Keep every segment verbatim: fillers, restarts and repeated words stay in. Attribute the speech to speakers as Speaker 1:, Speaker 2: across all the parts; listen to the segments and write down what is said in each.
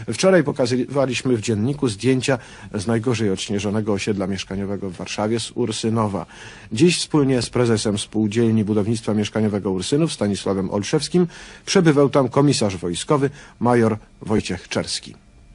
Speaker 1: Wczoraj pokazywaliśmy w dzienniku zdjęcia z najgorzej odśnieżonego osiedla mieszkaniowego w Warszawie, z Ursynowa. Dziś wspólnie z prezesem Spółdzielni Budownictwa Mieszkaniowego Ursynów, Stanisławem Olszewskim, przebywał tam komisarz wojskowy major Wojciech Czerski.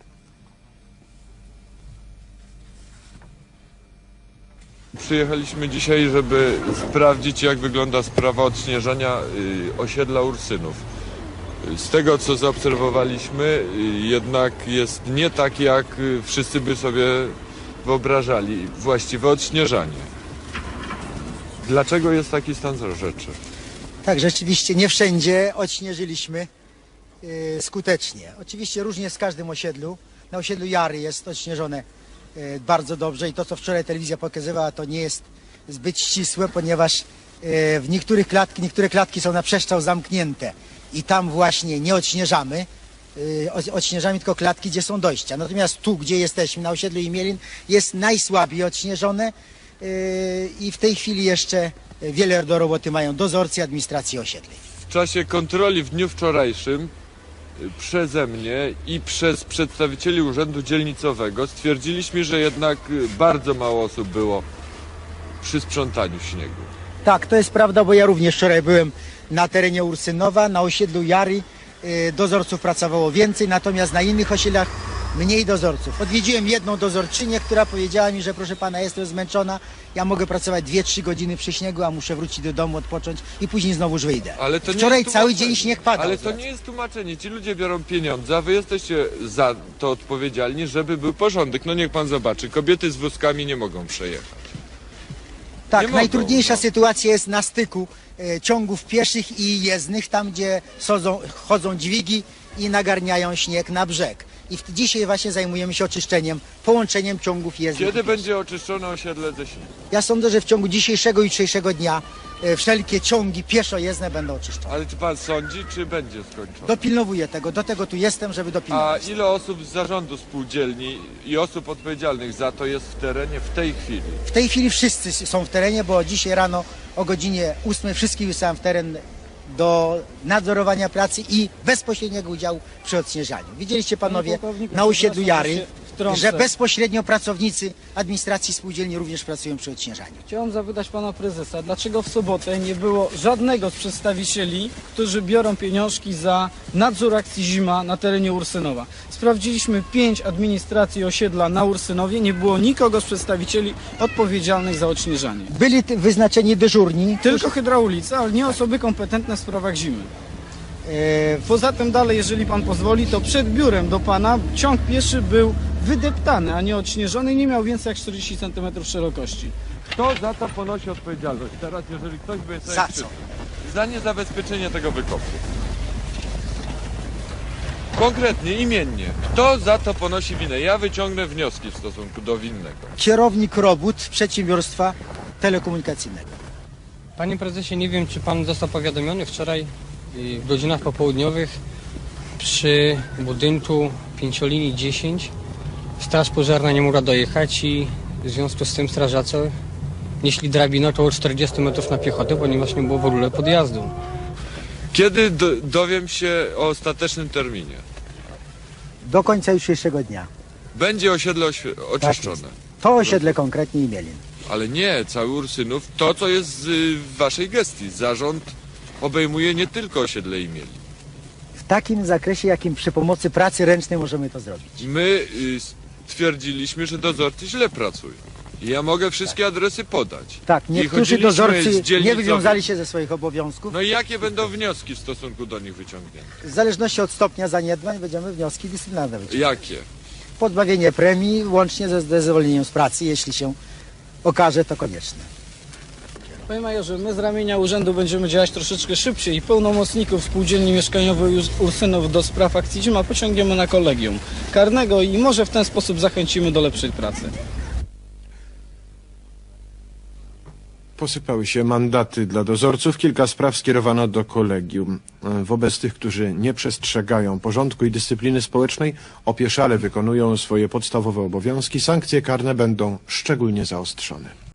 Speaker 2: Przyjechaliśmy dzisiaj, żeby sprawdzić, jak wygląda sprawa odśnieżania osiedla Ursynów. Z tego, co zaobserwowaliśmy, jednak jest nie tak, jak wszyscy by sobie wyobrażali właściwe odśnieżanie. Dlaczego jest taki stan rzeczy?
Speaker 3: Tak, rzeczywiście nie wszędzie odśnieżyliśmy yy, skutecznie. Oczywiście różnie z każdym osiedlu. Na osiedlu Jary jest odśnieżone yy, bardzo dobrze i to, co wczoraj telewizja pokazywała, to nie jest zbyt ścisłe, ponieważ yy, w niektórych klatki, niektóre klatki są na przestrzał zamknięte i tam właśnie nie odśnieżamy. Yy, odśnieżamy tylko klatki, gdzie są dojścia. Natomiast tu, gdzie jesteśmy, na osiedlu Imielin, jest najsłabiej odśnieżone yy, i w tej chwili jeszcze wiele do roboty mają dozorcy administracji osiedli.
Speaker 2: W czasie kontroli w dniu wczorajszym przeze mnie i przez przedstawicieli Urzędu Dzielnicowego stwierdziliśmy, że jednak bardzo mało osób było przy sprzątaniu śniegu.
Speaker 3: Tak, to jest prawda, bo ja również wczoraj byłem na terenie Ursynowa, na osiedlu Jary dozorców pracowało więcej, natomiast na innych osiedlach mniej dozorców. Odwiedziłem jedną dozorczynię, która powiedziała mi, że proszę pana, jestem zmęczona, ja mogę pracować dwie trzy godziny przy śniegu, a muszę wrócić do domu, odpocząć i później znowuż wyjdę.
Speaker 2: Ale to
Speaker 3: Wczoraj
Speaker 2: nie
Speaker 3: cały dzień śnieg padał.
Speaker 2: Ale to nie jest tłumaczenie. Ci ludzie biorą pieniądze, a wy jesteście za to odpowiedzialni, żeby był porządek. No niech pan zobaczy, kobiety z wózkami nie mogą przejechać.
Speaker 3: Tak,
Speaker 2: mogą,
Speaker 3: najtrudniejsza
Speaker 2: no.
Speaker 3: sytuacja jest na styku e, ciągów pieszych i jezdnych, tam gdzie chodzą, chodzą dźwigi i nagarniają śnieg na brzeg. I w, dzisiaj właśnie zajmujemy się oczyszczeniem, połączeniem ciągów jezdnych.
Speaker 2: Kiedy będzie oczyszczone osiedle ze śniegu?
Speaker 3: Ja sądzę, że w ciągu dzisiejszego i jutrzejszego dnia e, wszelkie ciągi pieszo-jezdne będą oczyszczone.
Speaker 2: Ale czy pan sądzi, czy będzie skończone?
Speaker 3: Dopilnowuję tego, do tego tu jestem, żeby
Speaker 2: A
Speaker 3: dopilnować.
Speaker 2: ile osób z zarządu spółdzielni i osób odpowiedzialnych za to jest w terenie w tej chwili?
Speaker 3: W tej chwili wszyscy są w terenie, bo dzisiaj rano o godzinie ósmej wszystkich wysłałem w teren do nadzorowania pracy i bezpośredniego udziału przy odśnieżaniu. Widzieliście panowie na osiedlu Jary, że bezpośrednio pracownicy administracji spółdzielni również pracują przy odśnieżaniu.
Speaker 4: Chciałem zapytać pana prezesa, dlaczego w sobotę nie było żadnego z przedstawicieli, którzy biorą pieniążki za nadzór akcji Zima na terenie Ursynowa. Sprawdziliśmy pięć administracji osiedla na Ursynowie, nie było nikogo z przedstawicieli odpowiedzialnych za odśnieżanie.
Speaker 3: Byli wyznaczeni dyżurni.
Speaker 4: Tylko hydraulicy, ale nie osoby kompetentne w sprawach zimy.
Speaker 3: E,
Speaker 4: Poza tym dalej, jeżeli pan pozwoli, to przed biurem do pana ciąg pieszy był wydeptany, a nie odśnieżony i nie miał więcej jak czterdzieści centymetrów szerokości.
Speaker 2: Kto za to ponosi odpowiedzialność? Teraz, jeżeli ktoś by sobie
Speaker 3: Za
Speaker 2: krzywdę-
Speaker 3: co?
Speaker 2: Za niezabezpieczenie tego wykopu. Konkretnie, imiennie. Kto za to ponosi winę? Ja wyciągnę wnioski w stosunku do winnego.
Speaker 3: kierownik robót przedsiębiorstwa telekomunikacyjnego.
Speaker 5: Panie prezesie, nie wiem, czy pan został powiadomiony wczoraj w godzinach popołudniowych przy budynku pięciolinii dziesięć straż pożarna nie mogła dojechać i w związku z tym strażacy nieśli drabinę około czterdzieści metrów na piechotę, ponieważ nie było w ogóle podjazdu.
Speaker 2: Kiedy do, dowiem się o ostatecznym terminie?
Speaker 3: Do końca jutrzejszego dnia.
Speaker 2: Będzie osiedle oświe- oczyszczone.
Speaker 3: To osiedle konkretnie Imielin.
Speaker 2: Ale nie, cały Ursynów, to co jest z, y, w waszej gestii. Zarząd obejmuje nie tylko osiedle Imieli.
Speaker 3: W takim zakresie, jakim przy pomocy pracy ręcznej możemy to zrobić.
Speaker 2: My y, stwierdziliśmy, że dozorcy źle pracują. I ja mogę wszystkie adresy podać.
Speaker 3: Tak,
Speaker 2: I
Speaker 3: niektórzy
Speaker 2: chodziliśmy
Speaker 3: dozorcy
Speaker 2: z
Speaker 3: nie
Speaker 2: dzielnicowych.
Speaker 3: wywiązali się ze swoich obowiązków.
Speaker 2: No i jakie będą wnioski w stosunku do nich wyciągnięte?
Speaker 3: W zależności od stopnia zaniedbań będziemy wnioski dyscyplinarne wyciągać.
Speaker 2: Jakie?
Speaker 3: Pozbawienie premii łącznie ze ze zwolnieniem z pracy, jeśli się okaże to konieczne.
Speaker 4: Panie majorze, my z ramienia urzędu będziemy działać troszeczkę szybciej i pełnomocników spółdzielni mieszkaniowej Ursynów do spraw akcji Zima pociągniemy na kolegium karnego i może w ten sposób zachęcimy do lepszej pracy.
Speaker 1: Posypały się mandaty dla dozorców. Kilka spraw skierowano do kolegium. Wobec tych, którzy nie przestrzegają porządku i dyscypliny społecznej, opieszale wykonują swoje podstawowe obowiązki, sankcje karne będą szczególnie zaostrzone.